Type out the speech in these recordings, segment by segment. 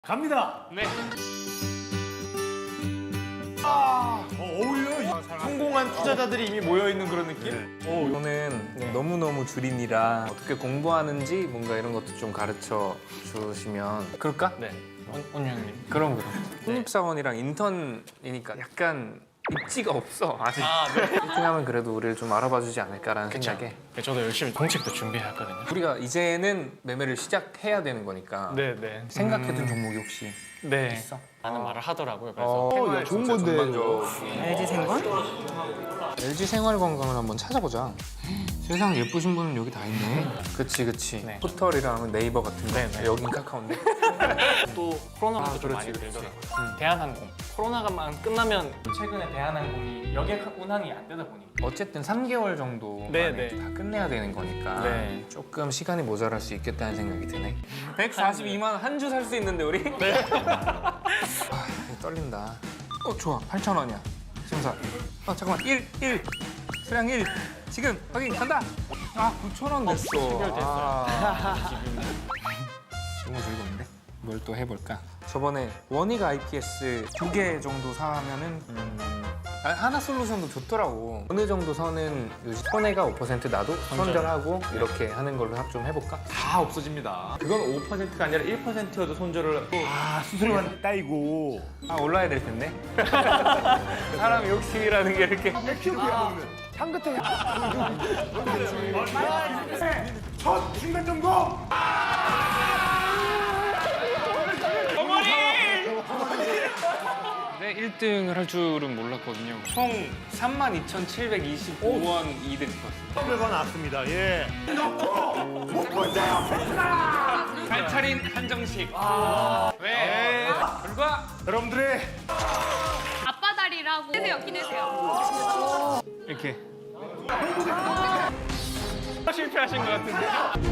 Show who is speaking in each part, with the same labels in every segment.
Speaker 1: 갑니다.
Speaker 2: 네.
Speaker 1: 어울려.
Speaker 3: 성공한 투자자들이 이미 모여있는 그런 느낌?
Speaker 4: 이거는 너무너무 줄임이라 어떻게 공부하는지 뭔가 이런 것도 좀 가르쳐 주시면 그럴까?
Speaker 2: 네. 원장님.
Speaker 4: 그럼. 신입사원이랑 인턴이니까 약간 입지가 없어 아직.
Speaker 2: 네.
Speaker 4: 1등 하면 그래도 우리를 좀 알아봐 주지 않을까라는 생각에
Speaker 2: 저도 열심히 공책도 준비했거든요.
Speaker 4: 우리가 이제는 매매를 시작해야 되는 거니까
Speaker 2: 네.
Speaker 4: 생각해둔 종목이 혹시
Speaker 2: 네.
Speaker 4: 있어?
Speaker 2: 라는 말을 하더라고요. 그래서
Speaker 4: 생활
Speaker 1: 좋은
Speaker 4: 진짜
Speaker 1: 건데.
Speaker 4: 전반적인
Speaker 5: LG 생활?
Speaker 4: LG 생활 건강을 한번 찾아보자. 세상 예쁘신 분은 여기 다 있네. 그치.
Speaker 2: 네.
Speaker 4: 포털이랑 네이버 같은데
Speaker 2: 네.
Speaker 4: 여긴 카카오인데.
Speaker 2: 또 코로나가 좀 많이 들더라고요. 대한항공. 코로나가만 끝나면 최근에 대한항공이 여객 운항이 안 되다 보니까
Speaker 4: 어쨌든 3개월 정도
Speaker 2: 네,
Speaker 4: 만에
Speaker 2: 네.
Speaker 4: 다 끝내야 되는 거니까
Speaker 2: 네.
Speaker 4: 조금 시간이 모자랄 수 있겠다는 생각이 드네. 142만 원 한 주 살 수 있는데 우리? 네. 떨린다. 좋아. 8,000원이야. 심사. 잠깐만. 1. 수량 1. 지금 확인 간다. 9,000원 냈어.
Speaker 2: 해결됐어요.
Speaker 4: 너무 즐거운데? 뭘 또 해볼까? 저번에 원익 IPS 2개 정도 사면은 하나 솔루션도 좋더라고. 어느 정도 선은 요즘 손해가 5% 나도 손절하고 이렇게 하는 걸로 좀 해볼까?
Speaker 3: 다 없어집니다. 그건 5%가 아니라 1%여도 손절을 하고
Speaker 1: 수수료만 따이고.
Speaker 4: 올라야 될 텐데. 사람 욕심이라는 게 이렇게.
Speaker 1: 향긋해. 첫 중간 점검.
Speaker 4: 네, 1등을 할 줄은 몰랐거든요. 총 32,725원 이득 봤어요.
Speaker 1: 결과 나왔습니다. 예.
Speaker 4: 알차린 한정식. 왜? 결과
Speaker 1: 여러분들의
Speaker 6: 아빠 다리라고 기대세요.
Speaker 4: 이렇게. 실패하신 것 같은데.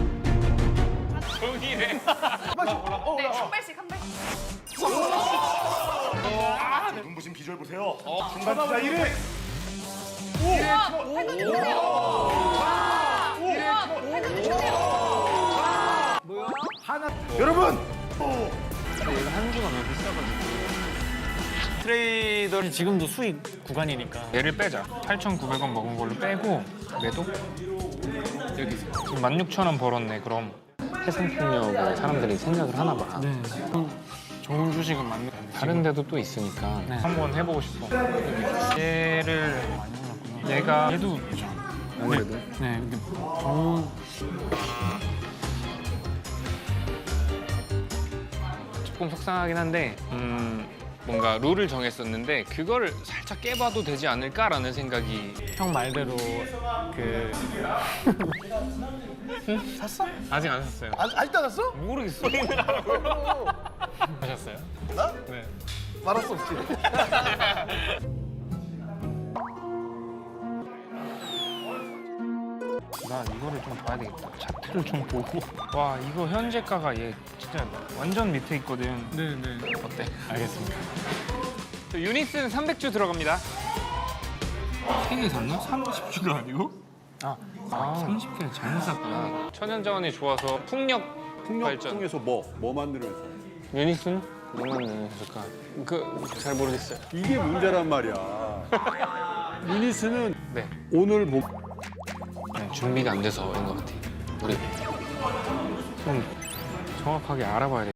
Speaker 4: 동일해.
Speaker 6: 네, 한 발씩 한 발씩.
Speaker 1: 눈부신 비주얼 보세요. 중간 투자 1위.
Speaker 6: 우와, 팔도 주세요. 우와, 팔도 주세요.
Speaker 1: 여러분.
Speaker 4: 얘가 한 주가 너무 비싸가지고.
Speaker 2: 트레이더는 지금도 수익 구간이니까
Speaker 4: 얘를 빼자. 8,900원 먹은 걸로 빼고 매도? 여기 있어. 지금 16,000원 벌었네. 그럼 해상풍력을 사람들이 생각을 하나 봐.
Speaker 2: 네. 좋은 주식은 맞는
Speaker 4: 다른 데도 또 있으니까
Speaker 2: 네.
Speaker 4: 한번 해보고 싶어. 얘를
Speaker 2: 많이 올랐구나.
Speaker 4: 얘가
Speaker 2: 얘도
Speaker 4: 아무래도
Speaker 2: 네, 근데 좋은
Speaker 4: 조금 속상하긴 한데 뭔가 룰을 정했었는데 그거를 살짝 깨봐도 되지 않을까라는 생각이.
Speaker 2: 형 말대로 그
Speaker 1: 샀어?
Speaker 4: 아직 안 샀어요.
Speaker 1: 아직도 안 샀어?
Speaker 4: 모르겠어.
Speaker 2: 하셨어요?
Speaker 1: 나?
Speaker 2: 네.
Speaker 1: 말할 수 없지.
Speaker 4: 나 이거를 좀 봐야 되겠다. 차트를 좀 보고. 와 이거 현재가가 얘 진짜 완전 밑에 있거든.
Speaker 2: 네네.
Speaker 4: 어때?
Speaker 2: 알겠습니다.
Speaker 4: 유니스는 300주 들어갑니다. 3개 샀나? 30주가 아니고? 30개를 잘못 샀구나. 천연자원이 좋아서 풍력 발전.
Speaker 7: 통해서 뭐 만들면서
Speaker 4: 유니스는? 뭐만 내셨을까? 잘 모르겠어요.
Speaker 7: 이게 문제란 말이야. 유니스는
Speaker 4: 네.
Speaker 7: 오늘 뭐
Speaker 4: 준비가 안 돼서 그런 것 같아. 우리 좀 정확하게 알아봐야 돼.